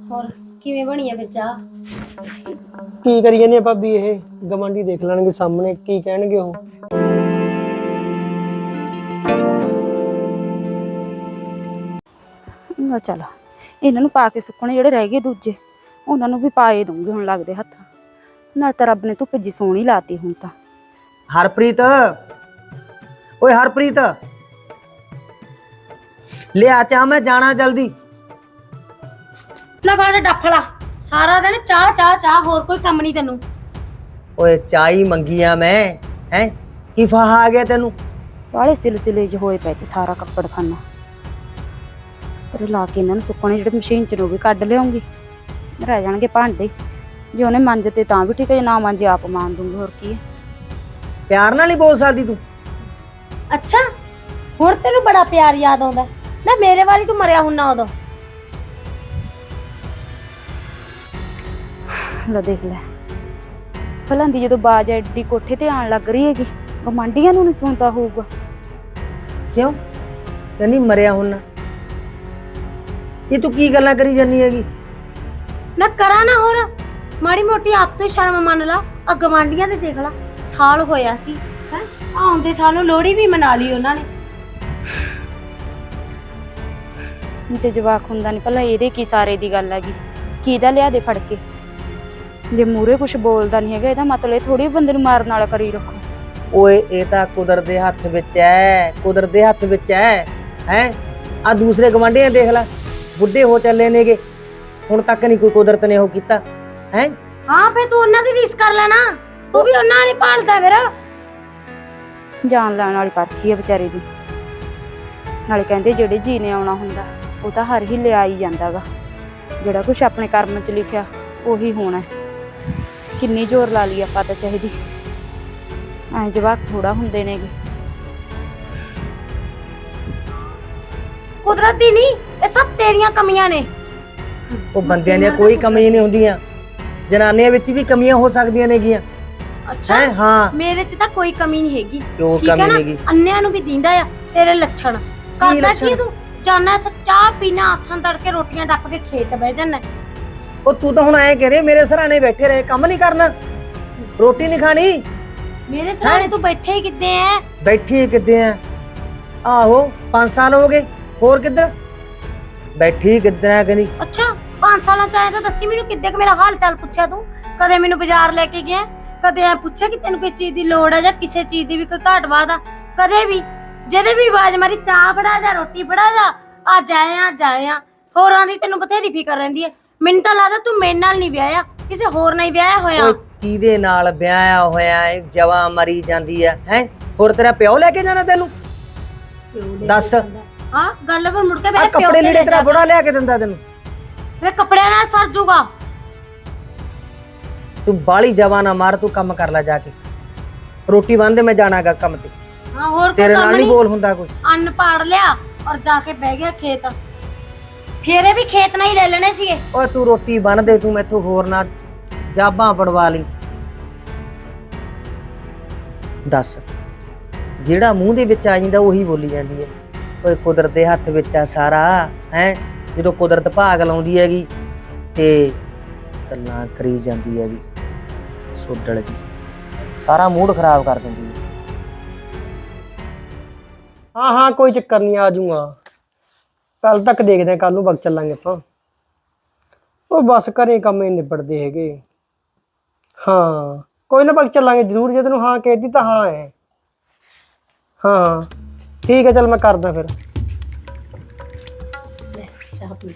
ਹੋਰ ਕਿਵੇਂ ਬਣੀ ਆ ਫਿਰ ਚਾਹ? ਕੀ ਕਰੀ ਜਾਂਦੇ ਆ ਭਾਬੀ? ਇਹ ਗਵਾਂਢੀ ਦੇਖ ਲੈਣਗੇ ਸਾਹਮਣੇ, ਕੀ ਕਹਿਣਗੇ ਉਹ? ਨਾ ਚਲ ਇਹਨਾਂ ਨੂੰ ਪਾ ਕੇ ਸੁੱਕਣੇ ਜਿਹੜੇ ਰਹਿ ਗਏ ਦੂਜੇ ਉਹਨਾਂ ਨੂੰ ਵੀ ਪਾਏ ਦੂੰਗੀ ਹੁਣ ਲੱਗਦੇ ਹੱਥ ਨਾਲ। ਤਾਂ ਰੱਬ ਨੇ ਧੁੱਪ ਜੀ ਸੋਹਣੀ ਲਾਤੀ ਹੁਣ ਤਾਂ। ਹਰਪ੍ਰੀਤ, ਓਏ ਹਰਪ੍ਰੀਤ ਲਿਆ ਚਾਹ, ਮੈਂ ਜਾਣਾ ਜਲਦੀ। ਲੈ ਬਾੜਾ ਡੱਫਲਾ, ਸਾਰਾ ਦਿਨ ਚਾਹ ਚਾਹ ਚਾਹ, ਹੋਰ ਕੋਈ ਕੰਮ ਨਹੀਂ ਤੈਨੂੰ? ਓਏ ਚਾਹ ਹੀ ਮੰਗੀ ਆ ਮੈਂ, ਹੈ ਕੀ ਫਾਹਾ ਆ ਗਿਆ ਤੈਨੂੰ? ਵਾਲੇ ਸਿਲਸਿਲੇ ਚ ਹੋਏ ਪਏ ਤੇ ਸਾਰਾ ਕੱਪੜ ਖਾਨਾ ਪਰ ਲਾ ਕੇ ਇਹਨਾਂ ਨੂੰ ਸੁੱਕਣੇ ਜਿਹੜੇ ਮਸ਼ੀਨ ਚ ਨੂੰ ਵੀ ਕੱਢ ਲਿਆਉਂਗੀ। ਰਹਿ ਜਾਣਗੇ ਭਾਂਡੇ, ਜੇ ਉਹਨੇ ਮੰਜ ਤੇ ਤਾਂ ਵੀ ਠੀਕ ਹੈ, ਜੇ ਨਾ ਮੰਜੇ ਆਪ ਮਾਂਜ ਦੂੰਗੀ। ਹੋਰ ਕੀ ਹੈ, ਪਿਆਰ ਨਾਲ ਹੀ ਬੋਲ ਸਕਦੀ ਤੂੰ। ਅੱਛਾ ਹੁਣ ਤੈਨੂੰ ਬੜਾ ਪਿਆਰ ਯਾਦ ਆਉਂਦਾ ਨਾ? ਮੇਰੇ ਵਾਲੀ ਤੂੰ ਮਰਿਆ ਹੁੰਨਾ ਉਦੋਂ। ਲੈ ਦੇਖ ਲੈ ਭਲਾਂ ਦੀ ਜਦੋਂ ਬਾਜ ਐਡੀ ਕੋਠੇ ਤੇ ਆਣ ਲੱਗ ਰਹੀ ਹੈਗੀ, ਗਵਾਂਢੀਆਂ ਨੂੰ ਨਹੀਂ ਸੁਣਦਾ ਹੋਊਗਾ। ਕਿਉਂ ਕਹਿੰਦੀ ਮਰਿਆ ਹੁਣ? ਇਹ ਤੂੰ ਕੀ ਗੱਲਾਂ ਕਰੀ ਜਾਨੀ ਹੈਗੀ? ਮੈਂ ਕਰਾਂ ਨਾ ਹੋਰ, ਮਾੜੀ ਮੋਟੀ ਆਪ ਤੋਂ ਸ਼ਰਮ ਮੰਨ ਲਾ। ਆ ਗਵਾਂਢੀਆਂ ਦੇ ਦੇਖ ਲਾ, ਸਾਲ ਹੋਇਆ ਸੀ ਹੈ, ਆਉਂਦੇ ਸਾਲ ਨੂੰ ਲੋਹੜੀ ਵੀ ਮਨਾ ਲਈ ਉਹਨਾਂ ਨੇ। ਜੇ ਜਵਾਕ ਹੁੰਦਾ ਨਹੀਂ ਭਲਾ ਇਹਦੇ ਕੀ ਸਾਰੇ ਦੀ ਗੱਲ ਹੈਗੀ, ਕਿਹਦਾ ਲਿਆ ਦੇ ਫੜ ਕੇ? ਜੇ ਮੂਰੇ ਕੁਝ ਬੋਲਦਾ ਨਹੀਂ ਹੈਗਾ ਇਹਦਾ ਮਤਲਬ ਇਹ ਥੋੜੀ ਬੰਦੇ ਨੂੰ ਮਾਰਨ ਵਾਲਾ ਕਰੀ ਰੱਖੋ। ਓਏ ਇਹ ਤਾਂ ਕੁਦਰਤ ਦੇ ਹੱਥ ਵਿੱਚ ਹੈ, ਕੁਦਰਤ ਦੇ ਹੱਥ ਵਿੱਚ ਹੈ। ਹੈ ਆ ਦੂਸਰੇ ਗਵਾਂਢੀਆਂ ਦੇਖ ਲੈ, ਬੁੱਢੇ ਹੋ ਚੱਲੇ ਨੇਗੇ, ਹੁਣ ਤੱਕ ਨਹੀਂ ਕੋਈ ਕੁਦਰਤ ਨੇ ਉਹ ਕੀਤਾ ਹੈ। ਹਾਂ ਫੇ ਤੂੰ ਉਹਨਾਂ ਦੀ ਰੀਸ ਕਰ ਲੈਣਾ, ਤੂੰ ਵੀ ਉਹਨਾਂ ਨੇ ਪਾਲਦਾ ਫਿਰ। ਜਾਨ ਲੈਣ ਵਾਲੀ ਕਰਖੀ ਹੈ ਵਿਚਾਰੇ ਦੀ। ਨਾਲੇ ਕਹਿੰਦੇ ਜਿਹੜੇ ਜੀ ਨੇ ਆਉਣਾ ਹੁੰਦਾ ਉਹ ਤਾਂ ਹਰ ਹੀਲੇ ਆ ਹੀ ਜਾਂਦਾ ਗਾ, ਜਿਹੜਾ ਕੁਛ ਆਪਣੇ ਕਰਮ 'ਚ ਲਿਖਿਆ ਉਹੀ ਹੋਣਾ। ਕਿੰਨੀ ਜ਼ੋਰ ਲਾ ਲਈ ਆਪਾਂ ਤਾਂ ਚਾਹੀਦੀ, ਐ ਜਵਾਕ ਥੋੜਾ ਹੁੰਦੇ ਨੇਗੇ। ਕੁਦਰਤ ਦੀ ਨਹੀਂ, ਇਹ ਸਭ ਤੇਰੀਆਂ ਕਮੀਆਂ ਨੇ। ਉਹ ਬੰਦਿਆਂ ਦੀਆਂ ਕੋਈ ਕਮੀ ਨਹੀਂ ਹੁੰਦੀਆਂ, ਜਨਾਨੀਆਂ ਵਿੱਚ ਵੀ ਕਮੀਆਂ ਹੋ ਸਕਦੀਆਂ ਨੇਗੀਆਂ। ਅੱਛਾ ਹੈ ਹਾਂ, ਮੇਰੇ 'ਚ ਤਾਂ ਕੋਈ ਕਮੀ ਨਹੀਂ ਹੈਗੀ। ਕਿਉਂ ਠੀਕ ਹੈ ਕਮੀ ਨਾ? ਨੇਗੀ? ਅੰਨਿਆਂ ਨੂੰ ਵੀ ਦਿੰਦਾ ਆ ਤੇਰੇ ਲੱਛਣ। ਕਰਦਾ ਕੀ ਲੱਛਣ? ਤੂੰ? ਜਾਨਾ ਇੱਥੇ ਚਾਹ ਪੀਣਾ, ਹੱਥਾਂ ਤੜਕੇ ਰੋਟੀਆਂ ਡੱਪ ਕੇ ਖੇਤ ਬਹਿ ਜਾਣਾ। ਉਹ ਤੂੰ ਤਾਂ ਹੁਣ ਐ ਕਹਿ ਰਹੀ ਮੇਰੇ ਸਰਾਣੇ ਬੈਠੇ ਰਹੇ, ਕੰਮ ਨਹੀਂ ਕਰਨਾ, ਰੋਟੀ ਨਹੀਂ ਖਾਣੀ? ਮੇਰੇ ਸਾਹਮਣੇ ਤੂੰ ਬੈਠੇ ਹੀ ਕਿੱਦੇ ਐ? ਬੈਠੀ ਕਿੱਦੇ ਆ? ਆਹੋ 5 ਸਾਲ ਹੋ ਗਏ, ਹੋਰ ਕਿੱਧਰ ਬੈਠੀ ਕਿੱਧਰ ਆ? ਕਹਿੰਦੀ ਅੱਛਾ 5 ਸਾਲਾਂ ਚ ਆਇਆ ਤਾਂ ਦੱਸੀ ਮੈਨੂੰ, ਕਿੱਦੇ ਕ ਮੇਰਾ ਹਾਲ ਚਾਲ ਪੁੱਛਿਆ ਤੂੰ? ਕਦੇ ਮੈਨੂੰ ਬਾਜ਼ਾਰ ਲੈ ਕੇ ਗਿਆ? ਕਦੇ ਐ ਪੁੱਛਿਆ ਕਿ ਤੈਨੂੰ ਕੋਈ ਚੀਜ਼ ਦੀ ਲੋੜ ਆ ਜਾਂ ਕਿਸੇ ਚੀਜ਼ ਦੀ ਵੀ ਕੋਈ ਘਾਟ ਵਾਧ ਆ? ਕਦੇ ਵੀ ਜਿਹਦੇ ਵੀ ਆਵਾਜ਼ ਮਾਰੀ ਚਾਹ ਫੜਾ ਜਾ, ਰੋਟੀ ਫੜਾ ਜਾ, ਆ ਜਾਏ ਆ। ਹੋਰਾਂ ਦੀ ਤੈਨੂੰ ਬਥੇਰੀ ਫਿਕਰ ਰਹਿੰਦੀ ਐ। ਮੈਨੂੰ ਤਾਂ ਲੱਗਦਾ ਤੂੰ ਮੇਰੇ ਨਾਲ ਨਹੀਂ ਵਿਆਹਿਆ, ਕਿਸੇ ਹੋਰ ਨਾਲ ਹੀ ਵਿਆਹਿਆ ਹੋਇਆ। ਓਏ ਕਿਹਦੇ ਨਾਲ ਵਿਆਹਿਆ ਹੋਇਆ ਏ? ਜਵਾ ਮਰੀ ਜਾਂਦੀ ਆ ਹੈ। ਹੋਰ ਤੇਰਾ ਪਿਓ ਲੈ ਕੇ ਜਾਣਾ ਤੈਨੂੰ? ਦੱਸ। ਹਾਂ ਗੱਲ ਪਰ ਮੁੜ ਕੇ ਆ ਮੇਰੇ ਪਿਓ ਕੱਪੜੇ ਤੇ ਲੀੜੇ ਤੇਰਾ ਬੁੜਾ ਲਿਆ ਕੇ ਦਿੰਦਾ ਤੈਨੂੰ? ਮੇਰੇ ਕੱਪੜਿਆਂ ਨਾਲ ਸਰ ਜੂਗਾ। ਤੂੰ ਬਾਲੀ ਜਵਾ ਨਾ ਮਾਰ, ਤੂੰ ਕੰਮ ਕਰ ਲੈ ਜਾ ਕੇ, ਰੋਟੀ ਬੰਨ੍ਹ, ਮੈਂ ਜਾਣਾਗਾ ਕੰਮ ਤੇ। ਹਾਂ ਹੋਰ ਤੇਰੇ ਨਾਲ ਨਹੀਂ ਬੋਲ ਹੁੰਦਾ ਕੋਈ। ਅੰਨ ਪਾੜ ਲਿਆ ਔਰ ਜਾ ਕੇ ਬਹਿ ਗਿਆ ਖੇਤ। ਫੇਰੇ ਵੀ ਖੇਤ ਨਾਲ ਹੀ ਲੈ ਲੈਣੇ ਸੀਗੇ। ਓਏ ਤੂੰ ਰੋਟੀ ਬੰਨ ਦੇ, ਤੂੰ ਮੈਥੋਂ ਹੋਰ ਨਾ ਜਾਬਾਂ ਪੜਵਾ ਲਈ। ਦੱਸ, ਜਿਹੜਾ ਮੂੰਹ ਦੇ ਵਿੱਚ ਆ ਜਾਂਦਾ ਉਹੀ ਬੋਲੀ ਜਾਂਦੀ ਹੈ। ਓਏ ਕੁਦਰਤ ਦੇ ਹੱਥ ਵਿੱਚ ਆ ਸਾਰਾ ਹੈ। ਜਦੋਂ ਕੁਦਰਤ ਭਾਗ ਲਾਉਂਦੀ ਹੈਗੀ ਤੇ ਗੱਲਾਂ ਕਰੀ ਜਾਂਦੀ ਹੈਗੀ ਸੋਡਲ ਜੀ, ਸਾਰਾ ਮੂਡ ਖਰਾਬ ਕਰ ਦਿੰਦੀ ਹੈ। ਹਾਂ ਹਾਂ ਕੋਈ ਚੱਕਰ ਨਹੀਂ, ਆ ਜਾਊਂਗਾ ਕੱਲ ਤੱਕ, ਦੇਖਦੇ ਆ ਕੱਲ ਨੂੰ ਵਗ ਚੱਲਾਂਗੇ ਆਪਾਂ। ਉਹ ਬਸ ਘਰੇ ਕੰਮ ਹੀ ਨਿਬੜਦੇ ਹੈਗੇ। ਹਾਂ ਕੋਈ ਨਾ ਵਗ ਚੱਲਾਂਗੇ ਜ਼ਰੂਰ, ਜੇ ਤੈਨੂੰ ਹਾਂ ਕਹਿਦੀ ਤਾਂ ਹਾਂ ਹੈ। ਹਾਂ ਠੀਕ ਹੈ, ਚੱਲ ਮੈਂ ਕਰਦਾ ਫਿਰ। ਚਾਹ ਪੀ।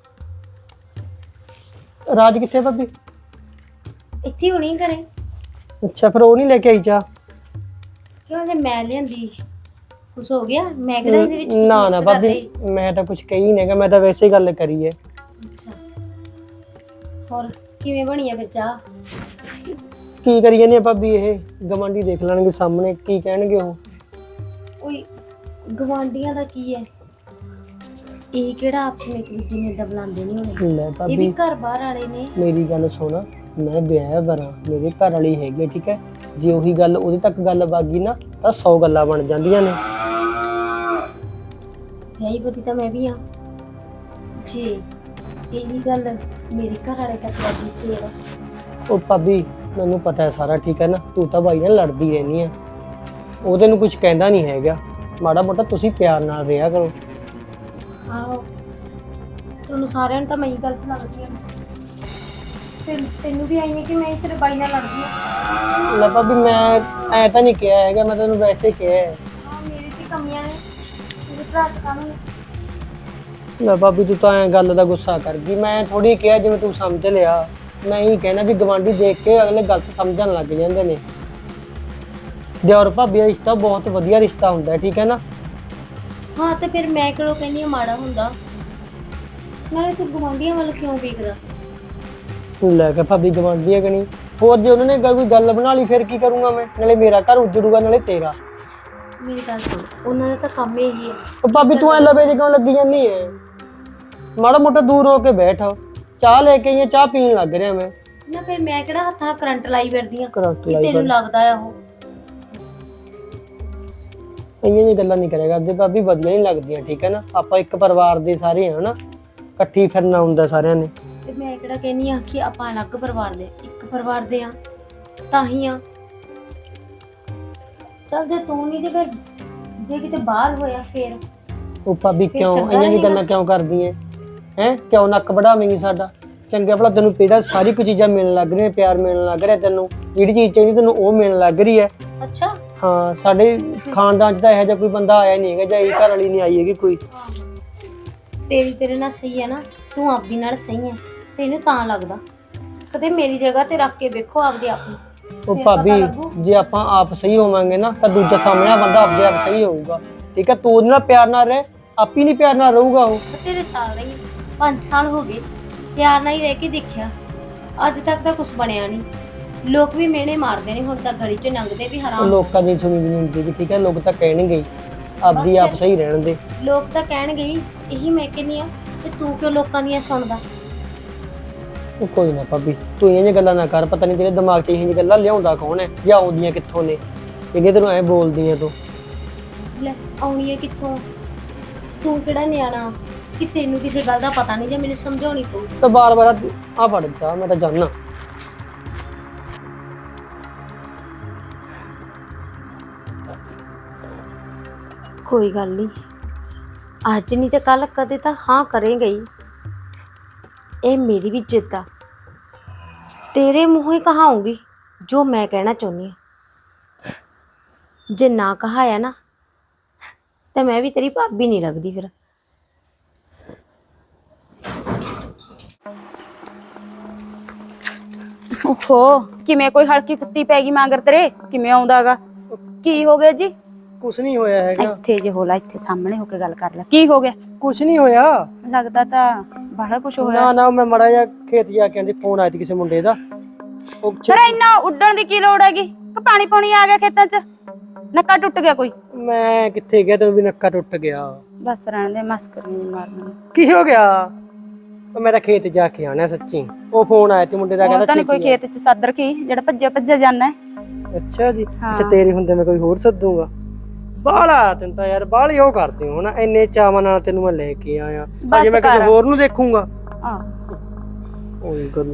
ਰਾਜ ਕਿੱਥੇ ਭਾਬੀ? ਇੱਥੇ ਹੁਣੀ ਕਰੇ। ਅੱਛਾ ਫਿਰ ਉਹ ਨਹੀਂ ਲੈ ਕੇ ਆਈ ਚਾਹ? ਕਿਉਂ ਜੇ ਮੈਂ ਲਿਆਂਦੀ ਕੁਛ ਹੋ ਗਿਆ? ਮੈਂ ਕਿਹੜਾ ਇਹਦੇ ਵਿੱਚ ਕੁਛ ਨਾ ਨਾ mix ਭਾਬੀ, ਕਰਦੀ? ਮੈਂ ਤਾਂ ਕੁਛ ਕਹੀ ਨਹੀਂਗਾ, ਮੈਂ ਤਾਂ ਵੈਸੇ ਹੀ ਗੱਲ ਕਰੀ ਹੈ। ਅੱਛਾ ਹੋਰ ਕਿਵੇਂ ਬਣੀ ਆ ਫਿਰ ਚਾਹ? ਕੀ ਕਰੀ ਜਾਂਦੇ ਆ ਭਾਬੀ? ਇਹ ਗਵਾਂਢੀ ਦੇਖ ਲੈਣਗੇ ਸਾਹਮਣੇ, ਕੀ ਕਹਿਣਗੇ ਉਹ? ਓਏ ਗਵਾਂਢੀਆਂ ਦਾ ਕੀ ਹੈ, ਇਹ ਕਿਹੜਾ ਆਪਸ ਵਿੱਚ ਇੱਕ ਦੂਜੇ ਨੂੰ ਏਦਾਂ ਬੁਲਾਉਂਦੇ ਨਹੀਂ ਹੋਣੇ। ਲੈ ਇਹ ਵੀ ਭਾਬੀ ਘਰ ਬਾਹਰ ਵਾਲੇ ਨੇ। ਮੇਰੀ ਗੱਲ ਸੁਣ, ਮੈਂ ਵਿਆਹ ਵਰਾਂ, ਮੇਰੇ ਘਰ ਵਾਲੀ ਹੈਗੀ, ਠੀਕ ਹੈ? ਜੇ ਉਹੀ ਗੱਲ ਉਹਦੇ ਤੱਕ ਗੱਲ ਵਗ ਗਈ ਨਾ ਤਾਂ 100 ਗੱਲਾਂ ਬਣ ਜਾਂਦੀਆਂ ਨੇ। ਵਿਆਹੀ ਪਤੀ ਤਾਂ ਮੈਂ ਵੀ ਹਾਂ। ਜੇ ਇਹ ਵੀ ਗੱਲ ਮੇਰੇ ਘਰ ਵਾਲੇ ਤੱਕ ਲੱਗੀ ਤੇਰਾ। ਉਹ ਭਾਬੀ ਮੈਨੂੰ ਪਤਾ ਹੈ ਸਾਰਾ, ਠੀਕ ਹੈ ਨਾ, ਤੂੰ ਤਾਂ ਬਾਈ ਨਾਲ ਲੜਦੀ ਰਹਿੰਦੀ ਹੈ, ਉਹ ਤੈਨੂੰ ਕੁਝ ਕਹਿੰਦਾ ਨਹੀਂ ਹੈਗਾ। ਮਾੜਾ ਮੋਟਾ ਤੁਸੀਂ ਪਿਆਰ ਨਾਲ ਰਿਹਾ ਕਰੋ। ਆਹੋ ਤੁਹਾਨੂੰ ਸਾਰਿਆਂ ਨੂੰ ਤਾਂ ਮੈਂ ਹੀ ਗਲਤ ਲੱਗਦੀ ਹਾਂ। ਤੈਨੂੰ ਵੀ ਆਈ ਹੈ ਕਿ ਮੈਂ ਤੇਰੇ ਬਾਈ ਨਾਲ ਲੜਦੀ ਹਾਂ। ਲੈ ਭਾਬੀ ਮੈਂ ਐ ਤਾਂ ਨਹੀਂ ਕਿਹਾ ਹੈਗਾ, ਮੈਂ ਤੈਨੂੰ ਵੈਸੇ ਹੀ ਕਿਹਾ ਹੈ। ਹਾਂ ਮੇਰੀ ਤੇ ਕਮੀਆਂ ਨੇ, ਮੇਰੇ ਭਰਾ ਚ ਕਾਹਨੂੰ ਨੇ। ਲੈ ਭਾਬੀ ਤੂੰ ਤਾਂ ਐ ਗੱਲ ਦਾ ਗੁੱਸਾ ਕਰ ਗਈ, ਮੈਂ ਥੋੜੀ ਕਿਹਾ ਜਿਵੇਂ ਤੂੰ ਸਮਝ ਲਿਆ। ਮੈਂ ਹੀ ਕਹਿਣਾ ਵੀ ਗਵਾਂਢੀ ਦੇਖ ਕੇ ਅਗਲੇ ਗਲਤ ਸਮਝਣ ਲੱਗ ਜਾਂਦੇ ਨੇ। ਦਿਓਰ ਭਾਬੀ ਦਾ ਰਿਸ਼ਤਾ ਬਹੁਤ ਵਧੀਆ ਰਿਸ਼ਤਾ ਹੁੰਦਾ ਹੈ, ਠੀਕ ਹੈ ਨਾ। ਹਾਂ ਤੇ ਫਿਰ ਮੈਂ ਕਿਹੜਾ ਕਹਿੰਦੀ ਹਾਂ ਮਾੜਾ ਹੁੰਦਾ। ਨਾਲੇ ਤੂੰ ਗੁਆਂਢੀਆਂ ਵੱਲ ਕਿਉਂ ਵੇਖਦਾ? ਲੈ ਕੇ ਭਾਬੀ ਗਵਾਂਢੀ ਹੈ ਕਿ ਨਹੀਂ, ਹੋਰ ਜੇ ਉਹਨਾਂ ਨੇ ਕੋਈ ਗੱਲ ਬਣਾ ਲਈ ਫਿਰ ਕੀ ਕਰੂੰਗਾ ਮੈਂ? ਨਾਲੇ ਮੇਰਾ ਘਰ ਉਜੜੂਗਾ ਨਾਲੇ ਤੇਰਾ। ਮੇਰੀ ਗੱਲ ਸੁਣ, ਉਹਨਾਂ ਦਾ ਤਾਂ ਕੰਮ ਇਹੀ ਹੈ। ਉਹ ਭਾਬੀ ਤੂੰ ਐ ਲਵੇ ਜੇ ਕਿਉਂ ਲੱਗੀ ਜਾਂਦੀ ਹੈ? ਮਾੜਾ ਮੋਟਾ ਦੂਰ ਹੋ ਕੇ ਬੈਠ, ਚਾਹ ਲੈ ਕੇ ਆਈ, ਚਾਹ ਪੀਣ ਲੱਗ ਰਿਹਾ ਮੈਂ। ਨਾ ਫਿਰ ਮੈਂ ਕਿਹੜਾ ਹੱਥਾਂ ਨਾਲ ਕਰੰਟ ਲਾਈ ਫਿਰਦੀ ਆ ਕਰੰਟ ਕਿ ਲਾਈ ਤੈਨੂੰ ਲੱਗਦਾ ਆ ਉਹ। ਇੰਨੀਆਂ ਜਿਹੀਆਂ ਗੱਲਾਂ ਨਹੀਂ ਕਰਿਆ ਕਰਦੇ ਭਾਬੀ, ਵਧੀਆ ਨਹੀਂ ਲੱਗਦੀਆਂ, ਠੀਕ ਹੈ ਨਾ। ਆਪਾਂ ਇੱਕ ਪਰਿਵਾਰ ਦੇ ਸਾਰੇ ਹਾਂ ਨਾ, ਇਕੱਠੀ ਫਿਰਨਾ ਹੁੰਦਾ ਸਾਰਿਆਂ ਨੇ। ਤੇ ਮੈਂ ਕਿਹੜਾ ਕਹਿੰਦੀ ਆ ਕਿ ਆਪਾਂ ਅਲੱਗ ਪਰਿਵਾਰ ਦੇ, ਇੱਕ ਪਰਿਵਾਰ ਦੇ ਆ ਤਾਂ ਹੀ ਆ। ਚੱਲ ਜੇ ਤੂੰ ਨਹੀਂ, ਜੇ ਫਿਰ ਜੇ ਕਿਤੇ ਬਾਹਰ ਹੋਇਆ ਫਿਰ ਉਹ ਭਾਬੀ ਕਿਉਂ ਚੰਗਾ ਇੰਨੀਆਂ ਦੀ ਰਹੇਗਾ। ਗੱਲਾਂ ਕਿਉਂ ਕਰਦੀ ਹੈ? ਕਿਉਂ ਨੱਕ ਵਢਾਵੇਂਗੀ ਸਾਡਾ? ਚੰਗਾ ਭਲਾ ਤੈਨੂੰ ਪੀੜਾ ਸਾਰੀ ਕੁਝ ਚੀਜ਼ਾਂ ਮਿਲਣ ਲੱਗ ਰਹੀਆਂ, ਪਿਆਰ ਮਿਲਣ ਲੱਗ ਰਿਹਾ, ਤੈਨੂੰ ਜਿਹੜੀ ਚੀਜ਼ ਚਾਹੀਦੀ ਤੈਨੂੰ ਉਹ ਮਿਲਣ ਲੱਗ ਰਹੀ ਹੈ। ਅੱਛਾ ਹਾਂ ਸਾਡੇ ਖਾਨਦਾਨ 'ਚ ਤਾਂ ਇਹੋ ਜਿਹਾ ਕੋਈ ਬੰਦਾ ਆਇਆ ਨਹੀਂ ਹੈਗਾ, ਜਾਂ ਇਹ ਘਰ ਵਾਲੀ ਨਹੀਂ ਆਈ ਹੈਗੀ ਕੋਈ। ਤੇਰੇ ਨਾਲ ਸਹੀ ਹੈ ਨਾ, ਤੂੰ ਆਪਦੀ ਨਾਲ ਸਹੀ ਹੈ, ਤੈਨੂੰ ਤਾਂ ਲੱਗਦਾ। ਕਦੇ ਮੇਰੀ ਜਗ੍ਹਾ ਤੇ ਰੱਖ ਕੇ ਵੇਖੋ ਆਪਦੇ ਆਪ ਨੂੰ। ਉਹ ਫਿਰ ਪਤਾ ਭਾਬੀ ਲੱਗੂ। ਜੇ ਆਪਾਂ ਆਪ ਸਹੀ ਹੋਵਾਂਗੇ ਨਾ ਤਾਂ ਦੂਜਾ ਸਾਹਮਣੇ ਬੰਦਾ ਆਪਦੇ ਆਪ ਸਹੀ ਹੋਊਗਾ, ਠੀਕ ਹੈ। ਤੂੰ ਉਹਦੇ ਨਾਲ ਪਿਆਰ ਨਾਲ ਰਹਿ, ਆਪ ਹੀ ਨਹੀਂ ਪਿਆਰ ਨਾਲ ਰਹੂਗਾ ਉਹ। ਤੇਰੇ ਸਾਲ ਰਹੀ 5 ਸਾਲ ਹੋ ਗਏ, ਪਿਆਰ ਨਾਲ ਹੀ ਰਹਿ ਕੇ ਦੇਖਿਆ, ਅੱਜ ਤੱਕ ਤਾਂ ਕੁਝ ਬਣਿਆ ਨਹੀਂ। ਲੋਕ ਵੀ ਮਿਹਣੇ ਮਾਰਦੇ ਨੇ, ਹੁਣ ਤਾਂ ਗਲੀ 'ਚ ਲੰਘਦੇ ਵੀ ਉਹ ਹਰਾਮ। ਲੋਕਾਂ ਦੀ ਸੁਣੀ ਵੀ ਨਹੀਂ ਹੁੰਦੀ, ਠੀਕ ਹੈ। ਲੋਕ ਤਾਂ ਕਹਿਣਗੇ ਹੀ, ਆਪਦੀ ਆਪ ਸਹੀ ਰਹਿਣ ਦੇ। ਲੋਕ ਤਾਂ ਕਹਿਣਗੇ ਹੀ, ਇਹੀ ਮੈਂ ਕਹਿੰਦੀ ਆ ਤੇ ਤੂੰ ਕਿਉਂ ਲੋਕਾਂ ਦੀਆਂ ਸੁਣਦਾ? ਉਹ ਕੋਈ ਨਾ ਭਾਬੀ ਤੂੰ ਇਹ ਜਿਹੀਆਂ ਗੱਲਾਂ ਨਾ ਕਰ, ਪਤਾ ਨਹੀਂ ਤੇਰੇ ਦਿਮਾਗ 'ਚ ਇਹ ਜਿਹੀਆਂ ਗੱਲਾਂ ਲਿਆਉਂਦਾ ਕੌਣ ਹੈ ਜਾਂ ਆਉਂਦੀਆਂ ਕਿੱਥੋਂ ਨੇ, ਜਿਹੜੀਆਂ ਤੈਨੂੰ ਐਂ ਬੋਲਦੀਆਂ ਤੂੰ। ਲੈ ਆਉਣੀ ਹੈ ਕਿੱਥੋਂ? ਤੂੰ ਕਿਹੜਾ ਨਿਆਣਾ ਕਿ ਤੈਨੂੰ ਕਿਸੇ ਗੱਲ ਦਾ ਪਤਾ ਨਹੀਂ ਜਾਂ ਮੈਨੂੰ ਸਮਝਾਉਣੀ ਪਊ? ਤਾਂ ਬਾਰ-ਬਾਰ ਆ ਫੜ ਜਾ, ਮੈਂ ਤਾਂ ਜਾਣਾ। ਕੋਈ ਗੱਲ ਨਹੀਂ, ਅੱਜ ਨਹੀਂ ਤੇ ਕੱਲ ਕਦੇ ਤਾਂ ਹਾਂ ਕਰੇਗਾ ਹੀ। ਇਹ ਮੇਰੀ ਵੀ ਜਿੱਦ ਆ, ਤੇਰੇ ਮੂੰਹੋਂ ਹੀ ਕਹਾਉਂਗੀ ਜੋ ਮੈਂ ਕਹਿਣਾ ਚਾਹੁੰਦੀ ਹਾਂ। ਜੇ ਨਾ ਕਹਾਇਆ ਨਾ ਤਾਂ ਮੈਂ ਵੀ ਤੇਰੀ ਭਾਬੀ ਨਹੀਂ ਲੱਗਦੀ ਫਿਰ। ਓਹੋ ਕਿਵੇਂ ਕੋਈ ਹਲਕੀ ਕੁੱਤੀ ਪੈ ਗਈ ਮਗਰ ਤੇਰੇ? ਕਿਵੇਂ ਆਉਂਦਾਗਾ? ਕੀ ਹੋ ਗਿਆ ਜੀ? ਕੁਛ ਨਹੀਂ ਹੋਇਆ ਹੈਗਾ। ਇੱਥੇ ਜੇ ਹੋਲਾ, ਇੱਥੇ ਸਾਹਮਣੇ ਹੋ ਕੇ ਗੱਲ ਕਰ ਲੈ। ਕੀ ਹੋ ਗਿਆ? ਕੁਛ ਨਹੀਂ ਹੋਇਆ। ਲੱਗਦਾ ਤਾਂ ਬੜਾ ਕੁਝ ਹੋਇਆ। ਨਾ ਮੈਂ ਮੜਾ ਜਾ ਖੇਤ ਜਾ ਕੇ ਆਂਦੀ, ਫੋਨ ਆਇਆ ਸੀ ਕਿਸੇ ਮੁੰਡੇ ਦਾ। ਉਹ ਫਿਰ ਇੰਨਾ ਉੱਡਣ ਦੀ ਕੀ ਲੋੜ ਹੈਗੀ? ਕਿ ਪਾਣੀ ਪਾਣੀ ਆ ਗਿਆ ਖੇਤਾਂ 'ਚ? ਨੱਕਾ ਟੁੱਟ ਗਿਆ ਕੋਈ? ਮੈਂ ਕਿੱਥੇ ਗਿਆ, ਤੈਨੂੰ ਵੀ ਨੱਕਾ ਟੁੱਟ ਗਿਆ। ਬਸ ਰਹਿਣ ਦੇ, ਮਸਕਰੀ ਨਹੀਂ ਮਾਰਨੀ। ਕੀ ਹੋ ਗਿਆ? ਉਹ ਮੇਰਾ ਖੇਤ ਜਾ ਕੇ ਆਣਾ ਸੱਚੀ। ਉਹ ਫੋਨ ਆਇਆ ਸੀ ਮੁੰਡੇ ਦਾ, ਕਹਿੰਦਾ ਤਾਂ ਨਹੀਂ ਕੋਈ ਖੇਤ 'ਚ ਸੱਦ ਰੱਖੀ ਜਿਹੜਾ ਭੱਜਿਆ ਜਾਂਦਾ ਹੈ? ਅੱਛਾ ਜੀ, ਅੱਛਾ ਤੇਰੇ ਹੁੰਦੇ ਮੈਂ ਕੋਈ ਹੋਰ ਸੱਦੂਗਾ। ਬਾਲਾ ਤੈਨੂੰ ਤਾਂ ਯਾਰ ਬਾਲੀ ਉਹ ਕਰਦੇ ਹੋ ਨਾ, ਇੰਨੇ ਚਾਵਾਂ ਨਾਲ ਤੈਨੂੰ ਮੈਂ ਲੈ ਕੇ ਆਇਆ, ਅਜੇ ਮੈਂ ਕਿਸੇ ਹੋਰ ਨੂੰ ਦੇਖੂੰਗਾ। ਉਹੀ ਗੱਲ।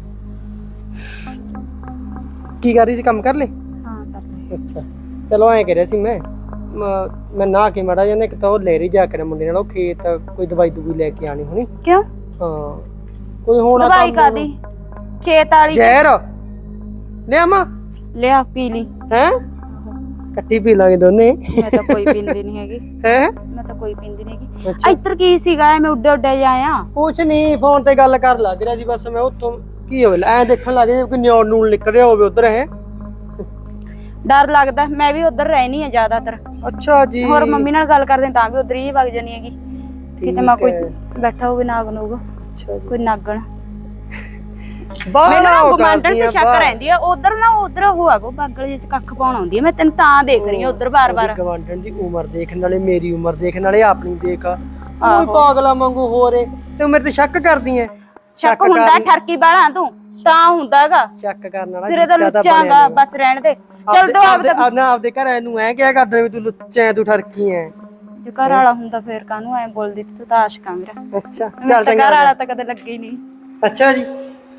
ਕੀ ਕਰ ਰਹੀ ਸੀ, ਕੰਮ ਕਰ ਲੈ? ਹਾਂ ਕਰ ਲੈ। ਅੱਛਾ ਚਲੋ ਐਂ ਕਹਿ ਰਿਹਾ ਸੀ ਮੈਂ ਨਾ ਕੇ ਮੜਾ ਜਾਂਦਾ, ਇੱਕ ਤਾਂ ਉਹ ਲੈ ਰਹੀ ਜਾ ਕੇ ਨਾ ਮੁੰਡੇ ਨਾਲ ਉਹ ਖੇਤ ਕੋਈ ਦਵਾਈ ਦੂਈ ਲੈ ਕੇ ਆਣੀ ਹੋਣੀ। ਕਿਉਂ? ਹਾਂ ਕੋਈ ਹੋਣਾ ਦਵਾਈ ਕਾਦੀ? ਖੇਤ ਵਾਲੀ ਜ਼ਹਿਰ ਲਿਆਵਾਂ? ਲਿਆ ਪੀ ਲਈ। ਹੈ ਕੱਟੀ ਪੀ ਲਾਂਗੇ ਦੋਨੇ। ਮੈਂ ਤਾਂ ਕੋਈ ਪੀਂਦੀ ਨਹੀਂ ਹੈਗੀ। ਹੈ ਮੈਂ ਤਾਂ ਕੋਈ ਪੀਂਦੀ ਨਹੀਂ ਹੈਗੀ। ਇੱਧਰ ਕੀ ਸੀਗਾ? ਮੈਂ ਉੱਡੇ ਉੱਡੇ ਜਾਇਆ। ਕੁਛ ਨਹੀਂ, ਫੋਨ ਤੇ ਗੱਲ ਕਰ ਲੱਗ ਰਿਹਾ ਜੀ ਬਸ ਮੈਂ। ਉੱਥੋਂ ਕੀ ਹੋਵੇ ਐ ਦੇਖਣ ਲੱਗ ਰਿਹਾ ਕਿ ਨਿਆਣ ਨੂਣ ਨਿਕਲ ਰਿਹਾ ਹੋਵੇ ਉਧਰ। ਹੈ ਡਰ ਲੱਗਦਾ, ਮੈਂ ਵੀ ਉਧਰ ਰਹਿਣੀ ਆ ਜ਼ਿਆਦਾਤਰ। ਅੱਛਾ ਜੀ। ਹੋਰ ਮੰਮੀ ਨਾਲ ਗੱਲ ਕਰਦੇ ਤਾਂ ਵੀ ਉਧਰ ਹੀ ਵਗ ਜਾਨੀ ਹੈਗੀ, ਕਿਤੇ ਮੈਂ ਕੋਈ ਬੈਠਾ ਹੋਵੇ ਨਾਗ ਨੂਗ। ਅੱਛਾ ਜੀ। ਕੋਈ ਨਾਗਣ ਬਾਹਰ ਮੈਨੂੰ ਗੁਆਂਢਣ ਤੇ ਸ਼ੱਕ ਰਹਿੰਦੀ ਆ। ਉਧਰ ਨਾ ਉਧਰ ਉਹ ਆਗੋ ਬਾਗਲ ਜਿਸ ਕੱਖ ਪਾਉਣ ਆਉਂਦੀ ਆ। ਮੈਂ ਤੈਨੂੰ ਤਾਂ ਦੇਖ ਰਹੀ ਆ ਉਧਰ ਬਾਰ-ਬਾਰ। ਗਵਾਂਢਣ ਦੀ ਉਮਰ ਦੇਖਣ ਵਾਲੇ, ਮੇਰੀ ਉਮਰ ਦੇਖਣ ਵਾਲੇ, ਆਪਣੀ ਦੇਖ। ਕੋਈ ਪਾਗਲਾ ਵਾਂਗੂ ਹੋ ਰੇ ਤੇ ਮੇਰੇ ਤੇ ਸ਼ੱਕ ਕਰਦੀ ਐ? ਸ਼ੱਕ ਹੁੰਦਾ ਠਰਕੀ ਬਾਲਾ ਤੂੰ ਤਾਂ ਹੁੰਦਾਗਾ। ਸ਼ੱਕ ਕਰਨ ਵਾਲਾ ਸਿਰੇ ਦਾ ਲੁੱਚਾਂਗਾ, ਬਸ ਰਹਿਣ ਦੇ। ਚੱਲ ਦੋ ਆਪਦੇ ਘਰ ਇਹਨੂੰ ਐ ਕਿਹਾ ਕਰਦੇ ਵੀ ਤੂੰ ਲੁੱਚਾ ਐ, ਤੂੰ ਠਰਕੀ ਐ। ਜੇ ਘਰ ਵਾਲਾ ਹੁੰਦਾ ਫੇਰ ਕਾਹਨੂੰ ਐ ਬੋਲਦੀ ਤੂੰ ਤਾਂ ਆਸ਼ਕਾ ਮੇਰਾ। ਅੱਛਾ ਮੈਨੂੰ ਚੱਲ ਤਾਂ ਚੰਗਾ ਘਰ ਵਾਲਾ ਤਾਂ ਕਦੇ ਲੱਗੇ ਹੀ ਨਹੀਂ। ਅੱਛਾ ਜੀ।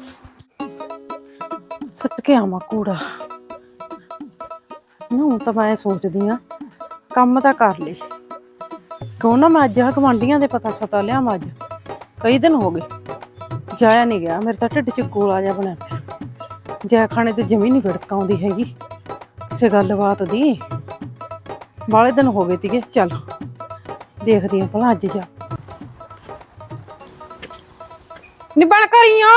ਸੁੱਟ ਕੇ ਆਵਾਂ ਕੂੜਾ ਨਾ। ਹੁਣ ਤਾਂ ਮੈਂ ਸੋਚਦੀ ਆ ਕੰਮ ਤਾਂ ਕਰ ਲਈ, ਕਿਉਂ ਨਾ ਮੈਂ ਅੱਜ ਗੁਆਂਢੀਆਂ ਦੇ ਪਤਾ ਸਤਾ ਲਿਆਵਾਂ। ਅੱਜ ਕਈ ਦਿਨ ਹੋ ਗਏ ਜਾਇਆ ਨਹੀਂ ਗਿਆ, ਮੇਰੇ ਤਾਂ ਢਿੱਡ 'ਚ ਗੋਲਾ ਜਿਹਾ ਬਣਿਆ ਪਿਆ। ਜੈ ਖਾਣੇ ਤੇ ਜਮੀ ਨਹੀਂ ਵਿੜਕ ਆਉਂਦੀ ਹੈਗੀ ਕਿਸੇ ਗੱਲਬਾਤ ਦੀ। ਬਾਲੇ ਦਿਨ ਹੋ ਗਏ ਤੀਗੇ। ਚੱਲ ਦੇਖਦੀ ਆ ਭਲਾ ਅੱਜ ਜਾ ਨੀ ਬਣ ਕਰੀਆਂ।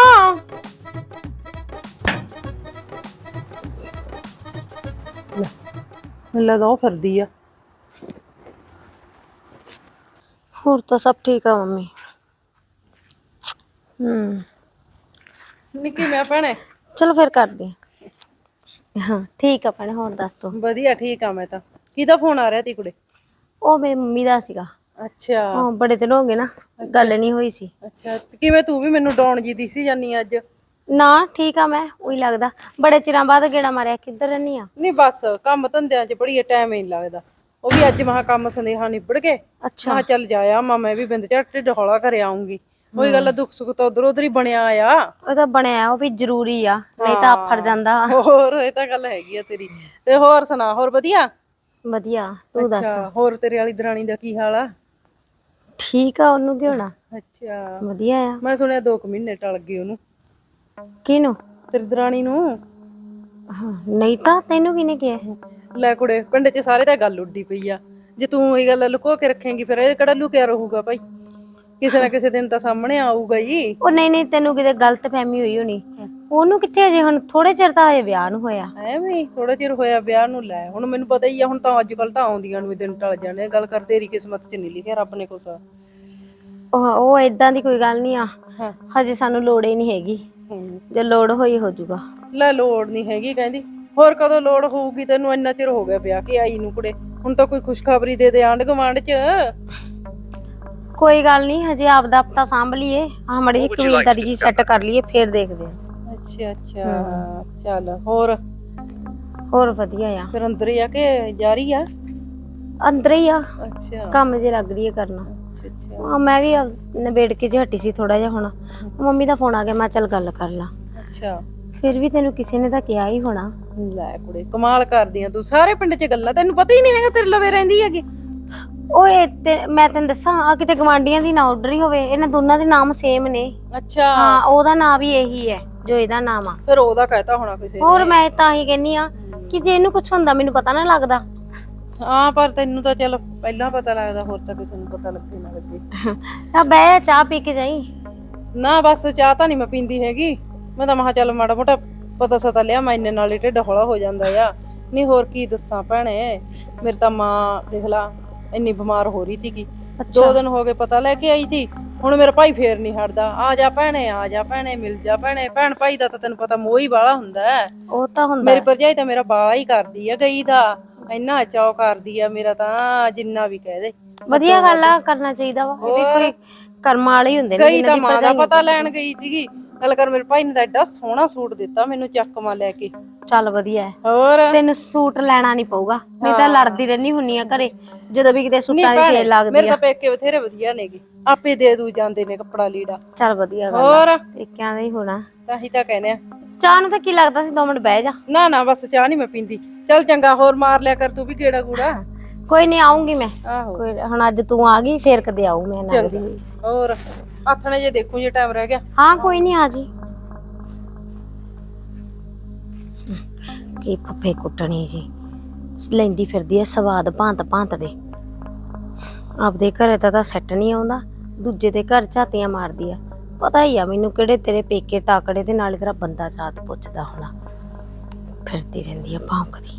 ਮੈਨੂੰ ਲੱਗਦਾ ਉਹ ਫਿਰਦੀ ਆ। ਹੋਰ ਤਾਂ ਸਭ ਠੀਕ ਆ ਮੰਮੀ। ਨਿੱਕੀ ਮੈਂ ਭੈਣੇ ਚਲੋ ਫਿਰ ਕਰਦੇ ਹਾਂ। ਠੀਕ ਆ ਭੈਣੇ, ਹੋਰ ਦੱਸ ਤੂੰ। ਵਧੀਆ ਠੀਕ ਆ ਮੈਂ ਤਾਂ। ਕਿਹਦਾ ਫੋਨ ਆ ਰਿਹਾ ਤੀ ਕੁੜੇ? ਉਹ ਮੇਰੀ ਮੰਮੀ ਦਾ ਸੀਗਾ। ਅੱਛਾ ਹਾਂ ਬੜੇ ਦਿਨ ਹੋ ਗਏ ਨਾ, ਗੱਲ ਨਹੀਂ ਹੋਈ ਸੀ। ਅੱਛਾ ਤੇ ਕਿਵੇਂ ਤੂੰ ਵੀ ਮੈਨੂੰ ਡਾਉਣ ਜੀ ਦਿਸੀ ਜਾਨੀ ਅੱਜ? ਨਾ ਠੀਕ ਆ, ਮੈਂ ਉਹੀ ਲੱਗਦਾ ਬੜੇ ਚਿਰਾਂ ਬਾਅਦ ਗੇੜਾ ਮਾਰਿਆ। ਕਿੱਧਰ ਰਹਿਨੀ ਆ? ਨਹੀਂ ਬਸ ਕੰਮ ਧੰਦਿਆਂ 'ਚ ਬੜੀ ਟਾਈਮ ਹੀ ਨਹੀਂ ਲੱਗਦਾ। ਉਹ ਵੀ ਅੱਜ ਮਹਾ ਕੰਮ ਸੁਨੇਹਾ ਨਿਬੜ ਗਏ। ਅੱਛਾ ਮਹਾ ਚੱਲ ਜਾਇਆ ਮੈਂ ਵੀ ਬਿੰਦ ਝੱਟ ਢਿੱਡ ਹੌਲਾ ਕਰ ਆਉਂਗੀ। ਉਹੀ ਗੱਲ ਆ, ਦੁੱਖ ਸੁੱਖ ਤਾਂ ਉਧਰ ਉਧਰ ਹੀ ਬਣਿਆ ਆ। ਉਹ ਤਾਂ ਬਣਿਆ, ਉਹ ਵੀ ਜ਼ਰੂਰੀ ਆ, ਨਹੀਂ ਤਾਂ ਆਫੜ ਜਾਂਦਾ। ਹੋਰ ਇਹ ਤਾਂ ਗੱਲ ਹੈਗੀ ਆ ਤੇਰੀ। ਤੇ ਹੋਰ ਸੁਣਾ, ਹੋਰ ਵਧੀਆ? ਵਧੀਆ, ਤੂੰ ਦੱਸ। ਅੱਛਾ ਹੋਰ ਤੇਰੇ ਵਾਲੀ ਦਰਾਣੀ ਦਾ ਕੀ ਹਾਲ ਆ? ਠੀਕ ਆ, ਉਹਨੂੰ ਕੀ ਹੋਣਾ, ਅੱਛਾ ਵਧੀਆ ਆ। ਮੈਂ ਸੁਣਿਆ 2 ਮਹੀਨੇ ਟਲ ਗਏ ਉਹਨੂੰ। ਕਿਹਨੂੰ? ਤੇਰੀ ਦਰਾਣੀ ਨੂੰ। ਹਾਂ, ਨਹੀਂ ਤਾਂ ਤੈਨੂੰ ਕਿਹਨੇ ਕਿਹਾ? ਲੈ ਕੁੜੇ, ਪਿੰਡ 'ਚ ਸਾਰੇ ਤਾਂ ਗੱਲ ਉੱਡੀ ਪਈ ਆ। ਜੇ ਤੂੰ ਇਹ ਗੱਲ ਲੁਕੋ ਕੇ ਰੱਖੇਂਗੀ ਫਿਰ ਇਹ ਕਿਹੜਾ ਲੁਕਿਆ ਰਹੂਗਾ ਭਾਈ, ਕਿਸੇ ਨਾ ਕਿਸੇ ਦਿਨ ਤਾਂ ਸਾਹਮਣੇ ਆਊਗਾ ਹੀ। ਉਹ ਨਹੀਂ ਨਹੀਂ, ਤੈਨੂੰ ਕਿਤੇ ਗਲਤ ਫਹਿਮੀ ਹੋਈ ਹੋਣੀ। ਉਹਨੂੰ ਕਿੱਥੇ ਅਜੇ, ਹੁਣ ਥੋੜੇ ਚਿਰ ਤਾਂ ਹਜੇ ਵਿਆਹ ਨੂੰ ਹੋਇਆ। ਐਵੇਂ ਥੋੜਾ ਚਿਰ ਹੋਇਆ ਵਿਆਹ ਨੂੰ। ਲੈ ਹੁਣ ਮੈਨੂੰ ਪਤਾ ਹੀ ਆ, ਹੁਣ ਤਾਂ ਅੱਜ ਕੱਲ ਤਾਂ ਆਉਂਦੀਆਂ ਨੂੰ ਵੀ ਦਿਨ ਟਲ ਜਾਣੇ। ਗੱਲ ਕਰ, ਤੇਰੀ ਕਿਸਮਤ 'ਚ ਨਹੀਂ ਲਿਖਿਆ ਰੱਬ ਨੇ ਕੁਛ। ਉਹ ਏਦਾਂ ਦੀ ਕੋਈ ਗੱਲ ਨਹੀਂ ਆ। ਹਾਂ ਹਜੇ ਸਾਨੂੰ ਲੋੜ ਹੀ ਨਹੀਂ ਹੈਗੀ, ਜੇ ਲੋੜ ਹੋਈ ਹੋ ਜਾਊਗਾ। ਲੈ ਲੋੜ ਨਹੀਂ ਹੈਗੀ ਕਹਿੰਦੀ, ਹੋਰ ਕਦੋਂ ਲੋੜ ਹੋਊਗੀ ਤੈਨੂੰ? ਇੰਨਾ ਚਿਰ ਹੋ ਗਿਆ ਵਿਆਹ ਕੇ ਆਈ ਨੂੰ ਕੁੜੇ, ਹੁਣ ਤਾਂ ਕੋਈ ਖੁਸ਼ਖਬਰੀ ਦੇ ਆਂਢ ਗੁਆਂਢ 'ਚ। ਕੋਈ ਗੱਲ ਨਹੀਂ, ਹਜੇ ਆਪਦਾ ਆਪਤਾ ਸਾਂਭ ਲਈਏ, ਆਹ ਮੜੀ ਜਿਹੀ ਕਬੀਲਦਾਰੀ ਜੀ ਸੈੱਟ ਕਰ ਲਈਏ, ਫੇਰ ਦੇਖਦੇ ਆ। ਅੱਛਾ ਅੱਛਾ ਚੱਲ ਹੋਰ ਹੋਰ ਵਧੀਆ ਆ। ਫਿਰ ਅੰਦਰ ਹੀ ਆ ਕੇ ਜਾ ਰਹੀ ਆ? ਅੰਦਰ ਹੀ ਆ, ਅੱਛਾ ਕੰਮ ਜੇ ਲੱਗ ਰਹੀ ਹੈ ਕਰਨਾ। ਅੱਛਾ ਅੱਛਾ ਹਾਂ, ਮੈਂ ਵੀ ਨਿਬੇੜ ਕੇ ਜੇ ਹਟੀ ਸੀ ਥੋੜਾ ਜਿਹਾ। ਹੁਣ ਮੰਮੀ ਦਾ ਫੋਨ ਆ ਗਿਆ, ਮੈਂ ਚੱਲ ਗੱਲ ਕਰ ਲਾਂ। ਅੱਛਾ ਫਿਰ ਵੀ ਤੈਨੂੰ ਕਿਸੇ ਨੇ ਤਾਂ ਕਿਹਾ ਹੀ ਹੋਣਾ। ਲੈ ਕੁੜੇ, ਕਮਾਲ ਕਰਦੀ ਆ ਤੂੰ। ਸਾਰੇ ਪਿੰਡ 'ਚ ਗੱਲਾਂ, ਤੈਨੂੰ ਪਤਾ ਹੀ ਨਹੀਂ ਹੈਗਾ ਤੇਰੇ ਲਵੇ ਰਹਿੰਦੀ ਹੈਗੀ। ਓਏ ਤੇ ਮੈਂ ਤੈਨੂੰ ਦੱਸਾਂ, ਆ ਕਿਤੇ ਗਵਾਂਢੀਆਂ ਦੀ ਨਾ ਆਰਡਰ ਹੀ ਹੋਵੇ। ਇਹਨਾਂ ਦੋਨਾਂ ਦੇ ਨਾਮ ਸੇਮ ਨੇ। ਅੱਛਾ ਹਾਂ, ਉਹਦਾ ਨਾਮ ਵੀ ਇਹੀ ਹੈ ਜੋ ਇਹਦਾ ਨਾਮ ਆ। ਫਿਰ ਉਹਦਾ ਕਹਿਤਾ ਹੋਣਾ ਕਿਸੇ ਨੇ। ਹੋਰ ਮੈਂ ਤਾਂ ਹੀ ਕਹਿੰਨੀ ਆ ਕਿ ਜੇ ਇਹਨੂੰ ਕੁਝ ਹੁੰਦਾ ਮੈਨੂੰ ਪਤਾ ਨਾ ਲੱਗਦਾ। ਹਾਂ ਪਰ ਤੈਨੂੰ ਤਾਂ ਚਲ ਪਹਿਲਾਂ ਪਤਾ ਲੱਗਦਾ, ਹੋਰ ਤਾਂ ਕਿਸੇ ਨੂੰ ਪਤਾ ਲੱਗੇ ਨਾ ਲੱਗੇ। ਆ ਬਹਿ, ਚਾਹ ਪੀ ਕੇ ਜਾਈ। ਨਾ ਬਸ ਚਾਹ ਤਾਂ ਨਹੀਂ ਮੈਂ ਪੀਂਦੀ ਹੈਗੀ। ਮੈਂ ਤਾਂ ਮਹਾ ਚੱਲ ਮਾੜਾ ਮੋਟਾ ਪਤਾ ਸਤਾ ਲਿਆ, ਮੈਂ ਇੰਨੇ ਨਾਲ ਹੀ ਢਿੱਡ ਹੌਲਾ ਹੋ ਜਾਂਦਾ ਆ। ਨਹੀਂ ਹੋਰ ਕੀ ਦੱਸਾਂ ਭੈਣੇ, ਮੇਰੀ ਤਾਂ ਮਾਂ ਦੇਖ ਲਾ ਇੰਨੀ ਬਿਮਾਰ ਹੋ ਰਹੀ ਸੀਗੀ। 2 ਦਿਨ ਹੋ ਗਏ ਪਤਾ ਲੈ ਕੇ ਆਈ ਸੀ। ਹੁਣ ਮੇਰਾ ਭਾਈ ਫੇਰ ਨਹੀਂ ਹਟਦਾ, ਆ ਜਾ ਭੈਣੇ, ਆ ਜਾ ਭੈਣੇ, ਮਿਲ ਜਾ ਭੈਣੇ। ਭੈਣ ਭਾਈ ਦਾ ਤਾਂ ਤੈਨੂੰ ਪਤਾ ਮੋਹ ਹੀ ਬਾਲਾ ਹੁੰਦਾ ਹੈ। ਉਹ ਤਾਂ ਹੁੰਦਾ। ਮੇਰੀ ਭਰਜਾਈ ਤਾਂ ਮੇਰਾ ਬਾਲਾ ਹੀ ਕਰਦੀ ਆ ਗਈ ਦਾ, ਇੰਨਾ ਚਾਅ ਕਰਦੀ ਆ ਮੇਰਾ ਤਾਂ, ਜਿੰਨਾ ਵੀ ਕਹਿ ਦੇ। ਵਧੀਆ ਗੱਲ ਆ, ਕਰਨਾ ਚਾਹੀਦਾ ਵਾ। ਇਹ ਵੀ ਕੋਈ ਕਰਮ ਵਾਲੇ ਹੀ ਹੁੰਦੇ ਨੇ। ਗਈ ਤਾਂ ਮਾਂ ਦਾ ਪਤਾ ਲੈਣ ਗਈ ਸੀਗੀ। ਗੱਲ ਕਰ, ਮੇਰੇ ਭਾਈ ਨੇ ਤਾਂ ਐਡਾ ਸੋਹਣਾ ਸੂਟ ਦਿੱਤਾ ਮੈਨੂੰ ਚੱਕਮਾ ਲੈ ਕੇ। ਚੱਲ ਵਧੀਆ। ਹੋਰ ਤੈਨੂੰ ਸੂਟ ਲੈਣਾ ਨਹੀਂ ਪਊਗਾ, ਨਹੀਂ ਤਾਂ ਲੜਦੀ ਰਹਿਣੀ ਹੁੰਨੀ ਆ ਘਰੇ ਜਦੋਂ ਵੀ ਕਿਤੇ ਸੂਟਾਂ ਦੀ ਸੇਲ ਲੱਗਦੀ ਮੇਰੇ ਆ। ਤਾਂ ਪੇਕੇ ਬਥੇਰੇ ਵਧੀਆ ਨੇਗੇ, ਆਪੇ ਦੇ ਦੂ ਜਾਂਦੇ ਨੇ ਕੱਪੜਾ ਲੀੜਾ। ਚੱਲ ਵਧੀਆ ਗੱਲ ਆ, ਹੋਰ ਪੇਕਿਆਂ ਦਾ ਹੀ ਹੋਣਾ। ਤਾਂ ਹੀ ਤਾਂ ਕਹਿੰਦੇ ਆ। ਚਾਹ ਨੂੰ ਤਾਂ ਕੀ ਲੱਗਦਾ ਸੀ, 2 ਮਿੰਟ ਬਹਿ ਜਾ। ਨਾ ਨਾ ਬਸ ਚਾਹ ਨਹੀਂ ਮੈਂ ਪੀਂਦੀ। ਚੱਲ ਚੰਗਾ, ਹੋਰ ਮਾਰ ਲਿਆ ਕਰ ਤੂੰ ਵੀ ਗੇੜਾ ਗੂੜਾ। ਕੋਈ ਨਹੀਂ, ਆਉਂਗੀ ਮੈਂ। ਆਹੋ ਕੋਈ ਹੁਣ ਅੱਜ ਤੂੰ ਆ ਗਈ, ਫੇਰ ਕਦੇ ਆਊ ਮੈਂ ਲੱਗਦੀ ਹੋਈ। ਹੋਰ ਆਥਣੇ ਜੇ ਦੇਖੂ ਜੇ ਟਾਈਮ ਰਹਿ ਗਿਆ। ਹਾਂ ਕੋਈ ਨਹੀਂ, ਆ ਜੀ। ਕੀ ਫੱਫੇ ਕੁੱਟਣੀ ਜੀ ਲੈਂਦੀ ਫਿਰਦੀ ਐ ਸਵਾਦ ਭਾਂਤ ਭਾਂਤ ਦੇ। ਆਪਦੇ ਘਰੇ ਤਾਂ ਸੈੱਟ ਨਹੀਂ ਆਉਂਦਾ, ਦੂਜੇ ਦੇ ਘਰ ਝਾਤੀਆਂ ਮਾਰਦੀ ਆ। ਪਤਾ ਹੀ ਆ ਮੈਨੂੰ ਕਿਹੜੇ ਤੇਰੇ ਪੇਕੇ ਤਾਕੜੇ ਤੇ ਨਾਲੇ ਤੇਰਾ ਬੰਦਾ ਸਾਥ ਪੁੱਛਦਾ ਹੋਣਾ। ਫਿਰਦੀ ਰਹਿੰਦੀ ਆ ਭੌਂਕਦੀ।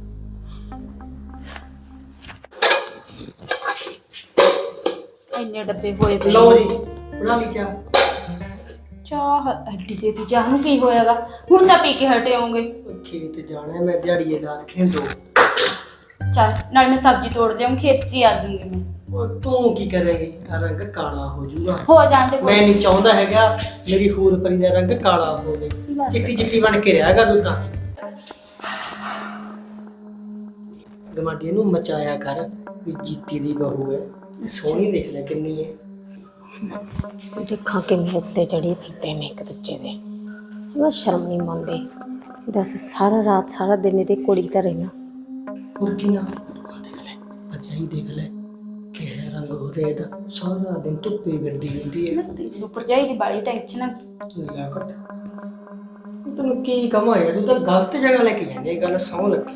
ਇੰਨੇ ਡੱਬੇ ਹੋਏ ਪਏ। ਲਓ ਜੀ, ਬਣਾ ਲਈ ਚਾਹ। ਚਾਹ ਐਡੀ ਛੇਤੀ ਚਾਹ ਨੂੰ ਕੀ ਹੋਇਆਗਾ? ਹੁਣ ਤਾਂ ਪੀ ਕੇ ਹਟੇ ਹੋਗੇ। ਖੇਤ ਜਾਣਾ ਮੈਂ, ਦਿਹਾੜੀਏ ਲਾ ਰੱਖੇ 2। ਚੱਲ ਨਾਲ ਮੈਂ ਸਬਜ਼ੀ ਤੋੜ ਦਿਆਂ, ਖੇਤ 'ਚ ਹੀ ਆ ਜਾਊਂਗੀ ਮੈਂ। ਉਹ ਤੂੰ ਕੀ ਕਰੇਗੀ? ਆ ਰੰਗ ਕਾਲਾ ਹੋ ਜਾਊਗਾ। ਹੋ ਜਾਂਦੇ ਮੈਂ ਨਹੀਂ ਚਾਹੁੰਦਾ ਹੈਗਾ ਮੇਰੀ ਹੂਰ ਪਰੀ ਦਾ ਰੰਗ ਕਾਲਾ ਹੋਵੇ। ਚਿੱਟੀ ਚਿੱਟੀ ਬਣ ਕੇ ਰਹੇਗਾ ਤੂੰ ਤਾਂ। ਗਮਾਡੀ ਨੂੰ ਮਚਾਇਆ ਕਰ ਵੀ ਜੀਤੀ ਦੀ ਬਹੂ ਹੈ, ਸੋਹਣੀ ਦੇਖ ਲੈ ਕਿੰਨੀ ਹੈ। ਦੇਖਾਂ ਕਿੰਨੇ ਉੱਤੇ ਚੜੀ ਫਿਰਦੇ ਨੇ ਇੱਕ ਦੂਜੇ ਦੇ, ਮੈਂ ਸ਼ਰਮ ਨਹੀਂ ਮੰਨਦੀ। ਦੱਸ ਸਾਰਾ ਰਾਤ ਸਾਰਾ ਦਿਨ ਇਹਦੇ ਕੋੜੀ ਤਾਂ ਰਹਿਣਾ। ਹੋਰ ਕੀ ਨਾ ਆ ਦੇਖ ਲੈ, ਭਰਜਾਈ ਦੇਖ ਲੈ ਕਿਹੜਾ ਰੰਗ ਹੋ ਰਿਹਾ ਇਹਦਾ, ਸਾਰਾ ਦਿਨ ਧੁੱਪੇ ਫਿਰਦੀ ਰਹਿੰਦੀ ਹੈ। ਤੇਰੀ ਭਰਜਾਈ ਦੀ ਬਾਲੀ ਟੈਨਸ਼ਨ ਆ। ਲਿਆ ਕੱਟ ਤੈਨੂੰ ਕੀ ਕਮਾ ਯਾਰ, ਤੂੰ ਤਾਂ ਗਲਤ ਜਗ੍ਹਾ ਲੈ ਕੇ ਜਾਂਦੀ ਹੈ ਗੱਲ, ਸੌਂ ਲੱਗੇ।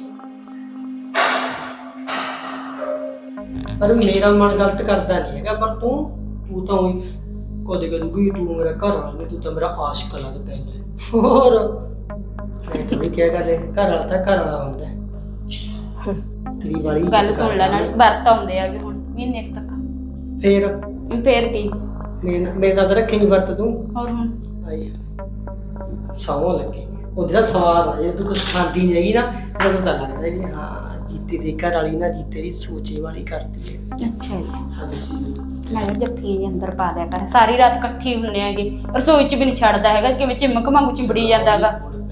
ਪਰ ਮੇਰਾ ਮਨ ਗਲਤ ਕਰਦਾ ਨਹੀਂ ਹੈਗਾ, ਪਰ ਤੂੰ ਤਾਂ ਉਹੀ ਕਦੇ ਕਦੂਗੀ ਤੂੰ ਮੇਰਾ ਘਰ ਵਾਲਾ ਨਹੀਂ, ਤੂੰ ਤਾਂ ਮੇਰਾ ਆਸ਼ਕ ਲੱਗਦਾ ਹੈ। ਹੋਰ ਮੈਂ ਥੋੜੀ ਕਿਹਾ ਕਰਦੇ, ਘਰ ਵਾਲਾ ਤਾਂ ਘਰ ਵਾਲਾ ਹੁੰਦਾ ਹੈ। ਤੇਰੀ ਵਾਲੀ ਗੱਲ ਸੁਣ ਲੈ, ਨਾਲ ਵਰਤ ਆਉਂਦੇ ਆਗੇ ਹੁਣ ਮਹੀਨੇ ਕੁ ਤੱਕ। ਫੇਰ ਕੀ ਮੇਰੇ ਨਾਲ ਤਾਂ ਰੱਖੇ ਨਹੀਂ ਵਰਤ ਤੂੰ। ਹੋਰ ਹੁਣ ਆਈ ਸੌਂ ਲੱਗੇ ਉਹ ਜਿਹੜਾ ਸਵਾਦ ਆ, ਜੇ ਤੂੰ ਕੁਛ ਖਾਂਦੀ ਨਹੀਂ ਹੈਗੀ ਨਾ, ਜਦੋਂ ਤਾਂ ਲੱਗਦਾ ਵੀ ਹਾਂ ਜੀਤੇ ਦੇ ਘਰ ਵਾਲੀ ਨਾ ਜੀਤੇ ਦੀ ਸੋਚੇ ਵਾਲੀ ਕਰਦੀ ਹੈ। ਅੱਛਾ ਜੀ, ਹਾਂਜੀ ਨਾਲੇ ਜੱਫੀ ਜੀ ਅੰਦਰ ਪਾ ਦਿਆ ਕਰ, ਸਾਰੀ ਰਾਤ ਇਕੱਠੀ ਹੁੰਨੇ ਆਗੇ, ਰਸੋਈ 'ਚ ਵੀ ਨਹੀਂ ਛੱਡਦਾ ਹੈਗਾ, ਕਿਵੇਂ ਚਿਮਕ ਵਾਂਗੂ ਚਿੰਬੜੀ ਜਾਂਦਾਗਾ।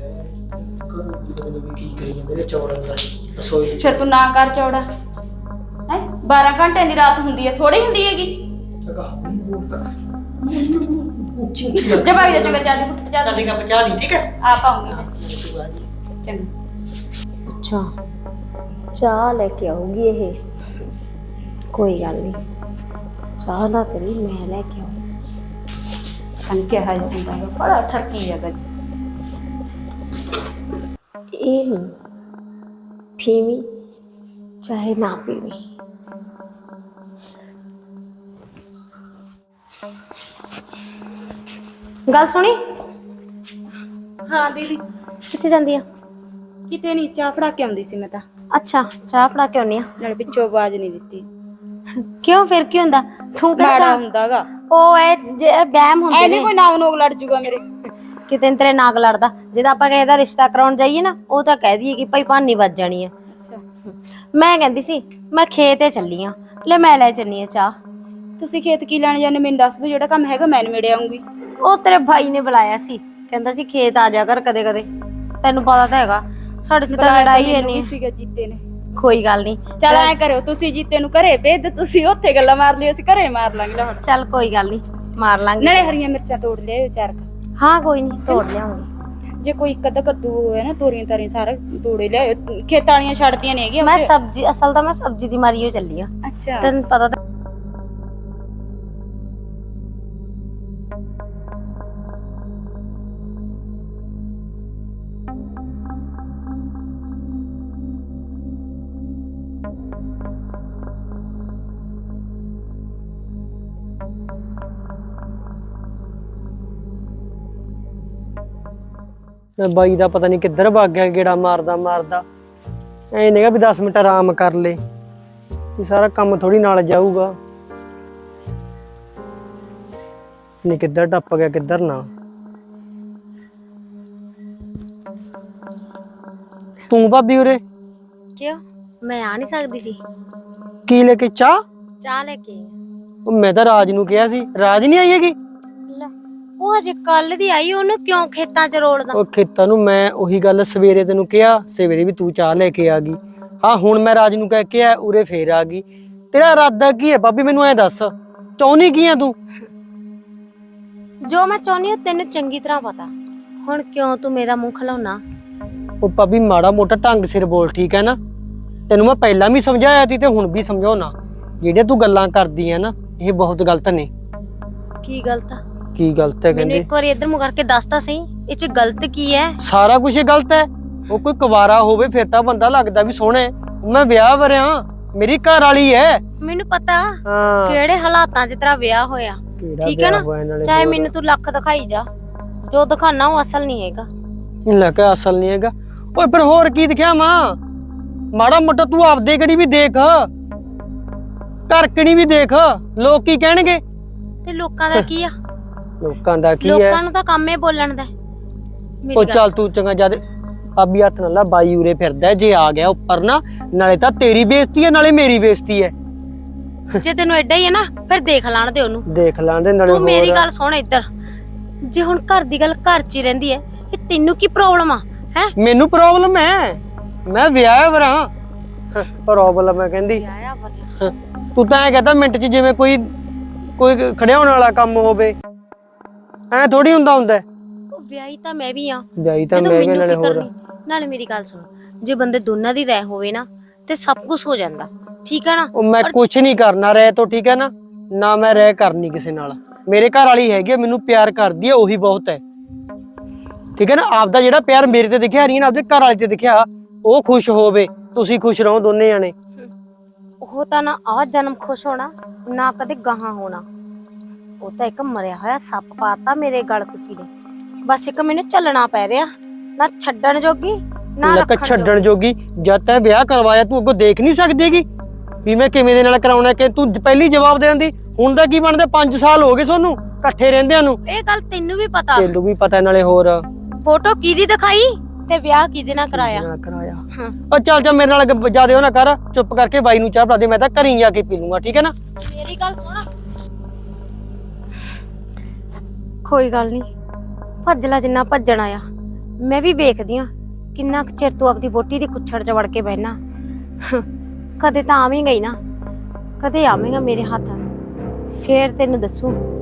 ਕੀ ਕਰੀ ਜਾਂਦੇ ਨੇ ਚੌੜਾਂ ਦਾ ਰਸੋਈ ਫਿਰ ਤੂੰ ਨਾ ਕਰ ਚੌੜਾ ਹੈ, 12 ਘੰਟਿਆਂ ਦੀ ਰਾਤ ਹੁੰਦੀ ਹੈ, ਥੋੜੀ ਹੁੰਦੀ ਹੈਗੀ। ਉੱਚੀ ਜੇ ਭਾਗ ਜਾ ਚੰਗਾ, ਚਾਹ ਦੀ ਘੁੱਟ ਪਚਾ ਦੇ। ਚੱਲੇਗਾ ਪਚਾ ਲਈ, ਠੀਕ ਹੈ ਆ ਪਾਉਂਗੀ ਮੈਂ। ਤੂੰ ਆ ਜੀ। ਚੰਗਾ ਅੱਛਾ ਚਾਹ ਲੈ ਕੇ ਆਊਗੀ ਇਹ, ਕੋਈ ਗੱਲ ਨਹੀਂ, ਚਾਹ ਨਾ ਕਰੀ ਮੈਂ ਲੈ ਕੇ ਆਊਂ। ਕੰਨ ਕਿਹਾ ਜਾਂਦਾ ਹੈ, ਬੜਾ ਠਰਕੀ ਹੈਗਾ। ਇਹ ਨਹੀਂ ਪੀਵੀਂ ਚਾਹੇ ਨਾ ਪੀਵੀਂ, ਗੱਲ ਸੁਣੀ। ਹਾਂ ਦੀਦੀ, ਕਿੱਥੇ ਜਾਂਦੀ ਆ? ਕਿਤੇ ਨਹੀਂ, ਚਾਹ ਫੜਾ ਕੇ ਆਉਂਦੀ ਸੀ ਮੈਂ ਤਾਂ, ਅੱਛਾ ਚਾਹ ਫੜਾ ਕੇ ਆਉਣੀ ਆ। ਨਾਲੇ ਪਿੱਛੋਂ ਆਵਾਜ਼ ਨਹੀਂ ਦਿੱਤੀ। ਕਿਉਂ ਫਿਰ ਕੀ ਹੁੰਦਾ? ਤੂੰ ਮਾੜਾ ਕਿਹੜਾ ਹੁੰਦਾਗਾ ਉਹ ਇਹ ਵਹਿਮ ਹੁੰਦੇ ਐ ਨੇ, ਨਹੀਂ ਕੋਈ ਨਾਗ ਨੋਗ ਲੜ ਜੂਗਾ ਮੇਰੇ। ਕਿਤੇ ਨੀ ਤੇਰੇ ਨਾਗ ਲੜਦਾ। ਜਦੋਂ ਆਪਾਂ ਕਿਸੇ ਦਾ ਰਿਸ਼ਤਾ ਕਰਾਉਣ ਜਾਈਏ ਨਾ, ਉਹ ਤਾਂ ਕਹਿ ਦਈਏ ਕਿ ਭਾਈ ਭਾਨੀ ਵੱਜ ਜਾਣੀ ਆ। ਅੱਛਾ, ਮੈਂ ਕਹਿੰਦੀ ਸੀ ਮੈਂ ਖੇਤੇ ਚੱਲੀ ਆ, ਲੈ ਮੈਂ ਲੈ ਚੱਲੀ ਆ ਚਾਹ। ਤੁਸੀਂ ਖੇਤ ਕੀ ਲੈਣ ਜਾਂਦੇ ਮੈਨੂੰ ਦੱਸ ਦਿਓ, ਜਿਹੜਾ ਕੰਮ ਹੈਗਾ ਮੈਂ ਨਿਬੇੜ ਆਉਂਗੀ। ਉਹ ਤੇਰੇ ਭਾਈ ਨੇ ਬੁਲਾਇਆ ਸੀ, ਕਹਿੰਦਾ ਸੀ ਖੇਤ ਆ ਜਾ ਕਰ ਕਦੇ ਕਦੇ, ਤੈਨੂੰ ਪਤਾ ਤਾਂ ਹੈਗਾ ਸਾਡੇ ਚ ਤਾਂ ਲੜਾਈ ਹੈ ਨਹੀਂ। ਸੀਗਾ ਜੀਤੇ ਨੇ। ਕੋਈ ਗੱਲ ਨਹੀਂ, ਚੱਲ ਐ ਕਰਿਓ, ਤੁਸੀਂ ਜੀਤੇ ਨੂੰ ਘਰੇ ਭੇਜ ਦਿਓ, ਤੁਸੀਂ ਉੱਥੇ ਗੱਲਾਂ ਮਾਰ ਲਿਓ, ਅਸੀਂ ਘਰੇ ਮਾਰ ਲਾਂਗੇ। ਲੈ ਚੱਲ ਕੋਈ ਗੱਲ ਨਹੀਂ, ਮਾਰ ਲਾਂਗੇ। ਨਾਲੇ ਹਰੀਆਂ ਮਿਰਚਾਂ ਤੋੜ ਲਿਆਇਓ ਚਾਰ ਕੁ। ਹਾਂ ਕੋਈ ਨਹੀਂ, ਤੋੜ ਲਿਆਉਂਗੀ। ਜੇ ਕੋਈ ਇੱਕ ਅੱਧਾ ਕੱਦੂ ਹੋਇਆ ਨਾ, ਤੋਰੀਆਂ ਤਾਰੀਆਂ ਸਾਰਾ ਤੋੜੇ ਲਿਆਇਓ, ਖੇਤਾਂ ਵਾਲੀਆਂ ਛੱਡਦੀਆਂ ਨੇ ਹੈਗੀਆਂ। ਮੈਂ ਸਬਜ਼ੀ, ਅਸਲ ਤਾਂ ਮੈਂ ਸਬਜ਼ੀ ਦੀ ਮਾਰੀ ਹੋ ਚੱਲੀ ਆ। ਅੱਛਾ, ਤੈਨੂੰ ਪਤਾ ਤਾਂ ਬਾਈ ਦਾ ਪਤਾ ਨਹੀਂ ਕਿੱਧਰ ਭੱਗ ਗਿਆ, ਗੇੜਾ ਮਾਰਦਾ ਐ ਨਹੀਂਗਾ ਵੀ 10 ਮਿੰਟ ਆਰਾਮ ਕਰ ਲੇ, ਇਹ ਸਾਰਾ ਕੰਮ ਥੋੜੀ ਨਾਲ ਜਾਊਗਾ। ਨਹੀਂ ਕਿੱਧਰ ਟੱਪ ਗਿਆ ਕਿੱਧਰ ਨਾ। ਤੂੰ ਭਾਬੀ ਉਰੇ ਕਿਉਂ ਮੈਂ ਆ ਨਹੀਂ ਸਕਦੀ ਸੀ? ਕੀ ਲੈ ਕੇ? ਚਾਹ ਲੈ ਕੇ ਉਹ ਮੈਂ ਤਾਂ ਰਾਜ ਨੂੰ ਕਿਹਾ ਸੀ, ਰਾਜ ਨਹੀਂ ਆਈ ਹੈਗੀ। ਲੈ ਉਹ ਹਜੇ ਕੱਲ ਦੀ ਆਈ, ਉਹਨੂੰ ਕਿਉਂ ਖੇਤਾਂ 'ਚ ਰੋਲਦਾ? ਉਹ ਖੇਤਾਂ ਨੂੰ ਮੈਂ ਉਹੀ ਗੱਲ ਸਵੇਰੇ ਤੈਨੂੰ ਕਿਹਾ, ਸਵੇਰੇ ਵੀ ਤੂੰ ਚਾਹ ਲੈ ਕੇ ਆ ਗਈ। ਹਾਂ ਹੁਣ ਮੈਂ ਰਾਜ ਨੂੰ ਕਹਿ ਕੇ ਆ, ਉਰੇ ਫੇਰ ਆ ਗਈ। ਤੇਰਾ ਇਰਾਦਾ ਕੀ ਹੈ ਭਾਬੀ, ਮੈਨੂੰ ਐ ਦੱਸ, ਚਾਹੁੰਦੀ ਕੀ ਆ ਤੂੰ? ਜੋ ਮੈਂ ਚਾਹੁੰਦੀ ਹਾਂ ਤੈਨੂੰ ਚੰਗੀ ਤਰ੍ਹਾਂ ਪਤਾ, ਹੁਣ ਕਿਉਂ ਤੂੰ ਮੇਰਾ ਮੂੰਹ ਖਲਾਉਣਾ? ਉਹ ਭਾਬੀ ਮਾੜਾ ਮੋਟਾ ਢੰਗ ਸਿਰ ਬੋਲ, ਠੀਕ ਹੈ ਨਾ? ਤੈਨੂੰ ਮੈਂ ਪਹਿਲਾਂ ਵੀ ਸਮਝਾਇਆ ਸੀ ਤੇ ਹੁਣ ਵੀ ਸਮਝਾਉਣਾ, ਜਿਹੜੀਆਂ ਤੂੰ ਗੱਲਾਂ ਕਰਦੀ ਆ ਨਾ ਇਹ ਬਹੁਤ ਗਲਤ ਨੇ। ਕੀ ਗਲਤ ਆ? ਕੀ ਗਲਤ ਹੈ ਮੈਨੂੰ ਕਹਿੰਦੇ? ਇੱਕ ਵਾਰੀ ਇੱਧਰ ਮੁੜ ਕਰਕੇ ਦੱਸ ਤਾਂ ਸਹੀ, ਇਹ 'ਚ ਗਲਤ ਕੀ ਹੈ? ਸਾਰਾ ਕੁਝ ਗਲਤ ਹੈ। ਉਹ ਕੋਈ ਕੁਵਾਰਾ ਹੋਵੇ ਫਿਰ ਤਾਂ ਬੰਦਾ ਲੱਗਦਾ ਵੀ ਸੋਹਣਾ ਹੈ। ਮੈਂ ਵਿਆਹ ਵਰਿਆ, ਮੇਰੀ ਘਰ ਵਾਲੀ ਹੈ। ਮੈਨੂੰ ਪਤਾ ਹਾਂ ਕਿਹੜੇ ਹਾਲਾਤਾਂ 'ਚ ਤੇਰਾ ਵਿਆਹ ਹੋਇਆ, ਠੀਕ ਹੈ ਨਾ? ਚਾਹੇ ਮੈਨੂੰ ਤੂੰ ਲੱਖ ਦਿਖਾਈ ਜਾ, ਜੋ ਦਿਖਾਣਾ ਉਹ ਅਸਲ ਨਹੀਂ ਹੈਗਾ। ਲੈ ਕੇ ਅਸਲ ਨਹੀਂ ਹੈਗਾ। ਓਏ ਫਿਰ ਹੋਰ ਕੀ ਦਿਖਿਆ ਮਾਂ? ਮਾੜਾ ਮੋਟਾ ਤੂੰ ਆਪਦੇ ਕਣੀ ਵੀ ਦੇਖ, ਘਰ ਕਣੀ ਵੀ ਦੇਖ, ਲੋਕ ਕੀ ਕਹਿਣਗੇ? ਤੇ ਲੋਕਾਂ ਦਾ ਕੀ ਆ? ਲੋਕਾਂ ਦਾ ਕੀ ਹੈ? ਲੋਕਾਂ ਨੂੰ ਤਾਂ ਕੰਮ ਹੀ ਬੋਲਣ ਦਾ। ਉਹ ਚੱਲ ਤੂੰ ਚੰਗਾ ਜਦ ਭਾਬੀ ਹੱਥ ਨਾਲ ਲਾ, ਬਾਈ ਉਰੇ ਫਿਰਦਾ, ਜੇ ਆ ਗਿਆ ਉੱਪਰ ਨਾ, ਨਾਲੇ ਤਾਂ ਤੇਰੀ ਬੇਇੱਜ਼ਤੀ ਹੈ ਨਾਲੇ ਮੇਰੀ ਬੇਇੱਜ਼ਤੀ ਹੈ। ਜੇ ਤੈਨੂੰ ਐਡਾ ਹੀ ਹੈ ਨਾ ਫਿਰ ਦੇਖ ਲੈਣ ਦੇ ਉਹਨੂੰ। ਦੇਖ ਲੈਣ ਦੇ ਨਾਲੇ। ਤੂੰ ਮੇਰੀ ਗੱਲ ਸੁਣ ਇੱਧਰ, ਜੇ ਹੁਣ ਘਰ ਦੀ ਗੱਲ ਘਰ 'ਚ ਹੀ ਰਹਿੰਦੀ ਹੈ, ਇਹ ਤੈਨੂੰ ਕੀ ਪ੍ਰੋਬਲਮ ਆ? ਹੈ ਮੈਨੂੰ ਪ੍ਰੋਬਲਮ ਹੈ, ਮੈਂ ਵਿਆਹ ਵਰਾਂ। ਪ੍ਰੋਬਲਮ ਹੈ ਕਹਿੰਦੀ। ਵਿਆਹਿਆ ਵਰਿਆ ਤੂੰ ਤਾਂ ਐ ਕਹਤਾ ਮਿੰਟ 'ਚ ਜਿਵੇਂ ਕੋਈ ਖੜਿਆਉਣ ਵਾਲਾ ਕੰਮ ਹੋਵੇ। ਐ ਥੋੜੀ ਹੁੰਦਾ ਉਹ ਵਿਆਹੀ ਤਾਂ ਮੈਂ ਵੀ ਆ। ਵਿਆਹੀ ਤਾਂ ਜਦੋਂ ਮੈਂ ਵੀ ਮੈਨੂੰ ਨਾਲੇ ਫਿਕਰ ਹੋਰ ਨਹੀਂ, ਨਾਲੇ ਮੇਰੀ ਗੱਲ ਸੁਣ, ਜੇ ਬੰਦੇ ਦੋਨਾਂ ਦੀ ਰਹਿ ਹੋਵੇ ਨਾ ਤੇ ਸਭ ਕੁਝ ਹੋ ਜਾਂਦਾ, ਠੀਕ ਹੈ ਨਾ। ਉਹ ਮੈਂ ਕੁਛ ਨਹੀਂ ਕਰਨਾ ਰਹਿ ਤੋਂ, ਠੀਕ ਹੈ ਨਾ ਮੈਂ ਰਹਿ ਕਰਨੀ ਕਿਸੇ ਨਾਲ। ਮੇਰੇ ਘਰ ਵਾਲੀ ਹੈਗੀ ਆ, ਮੈਨੂੰ ਪਿਆਰ ਕਰਦੀ ਹੈ, ਉਹੀ ਬਹੁਤ ਹੈ, ਠੀਕ ਹੈ ਨਾ। ਆਪਦਾ ਜਿਹੜਾ ਪਿਆਰ ਮੇਰੇ ਤੇ ਦਿਖਿਆ ਰਹੀ ਨਾ, ਆਪਦੇ ਘਰ ਵਾਲੇ ਤੇ ਦਿਖਿਆ, ਉਹ ਖੁਸ਼ ਹੋਵੇ, ਤੁਸੀਂ ਖੁਸ਼ ਰਹੋ ਦੋਨੇ ਜਾਣੇ। ਉਹ ਤਾਂ ਨਾ ਆਹ ਜਨਮ ਖੁਸ਼ ਹੋਣਾ ਨਾ ਕਦੇ ਗਾਹਾਂ ਹੋਣਾ। ਉਹ ਤਾਂ ਇੱਕ ਮਰਿਆ ਹੋਇਆ ਸੱਪ ਪਾਤਾ ਮੇਰੇ ਗਲ ਤੁਸੀਂ ਨੇ। ਬਸ ਇੱਕ ਮੈਨੂੰ ਚੱਲਣਾ ਪੈ ਰਿਹਾ, ਨਾ ਛੱਡਣ ਜੋਗੀ ਨਾ ਲੱਕ ਰੱਖਣ ਛੱਡਣ ਜੋਗੀ। ਜਦ ਤੈਂ ਵਿਆਹ ਕਰਵਾਇਆ ਤੂੰ ਅੱਗੋਂ ਦੇਖ ਨਹੀਂ ਸਕਦੀਗੀ ਵੀ ਮੈਂ ਕਿਵੇਂ ਦੇ ਨਾਲ ਕਰਾਉਣਾ, ਕਿ ਤੂੰ ਪਹਿਲੀ ਜਵਾਬ ਦੇ ਦਿੰਦੀ। ਹੁਣ ਦਾ ਕੀ ਬਣਦਾ, 5 ਸਾਲ ਹੋ ਗਏ ਤੁਹਾਨੂੰ ਇਕੱਠੇ ਰਹਿੰਦਿਆਂ ਨੂੰ। ਇਹ ਗੱਲ ਤੈਨੂੰ ਵੀ ਪਤਾ, ਤੈਨੂੰ ਵੀ ਪਤਾ, ਨਾਲੇ ਹੋਰ ਫੋਟੋ ਕਿਹਦੀ ਦਿਖਾਈ ਤੇ ਵਿਆਹ ਕਿਹਦੇ ਨਾਲ ਕਰਾਇਆ। ਹਾਂ। ਉਹ ਚੱਲ ਮੇਰੇ ਨਾਲ ਜਿਆਦੇ ਉਹ ਨਾ ਕਰ, ਚੁੱਪ ਕਰਕੇ ਬਾਈ ਨੂੰ ਚਾਹ ਪਿਲਾ ਦੇ, ਮੈਂ ਤਾਂ ਘਰੀ ਜਾ ਕੇ ਪੀ ਲੂੰਗਾ, ਠੀਕ ਹੈ ਨਾ। ਮੇਰੀ ਗੱਲ ਸੁਣ, ਕੋਈ ਗੱਲ ਨਹੀਂ, ਭੱਜ ਲੈ ਜਿੰਨਾ ਭੱਜਣਾ ਆ। ਮੈਂ ਵੀ ਵੇਖਦੀ ਆ ਕਿੰਨਾ ਕੁ ਚਿਰ ਤੂੰ ਆਪਦੀ ਵੋਟੀ ਦੀ ਕੁੱਛੜ 'ਚ ਵੜ ਕੇ ਬਹਿਣਾ। ਕਦੇ ਤਾਂ ਆਵੇਂਗਾ ਹੀ ਨਾ, ਕਦੇ ਆਵੇਂਗਾ ਮੇਰੇ ਹੱਥ, ਫੇਰ ਤੈਨੂੰ ਦੱਸੂ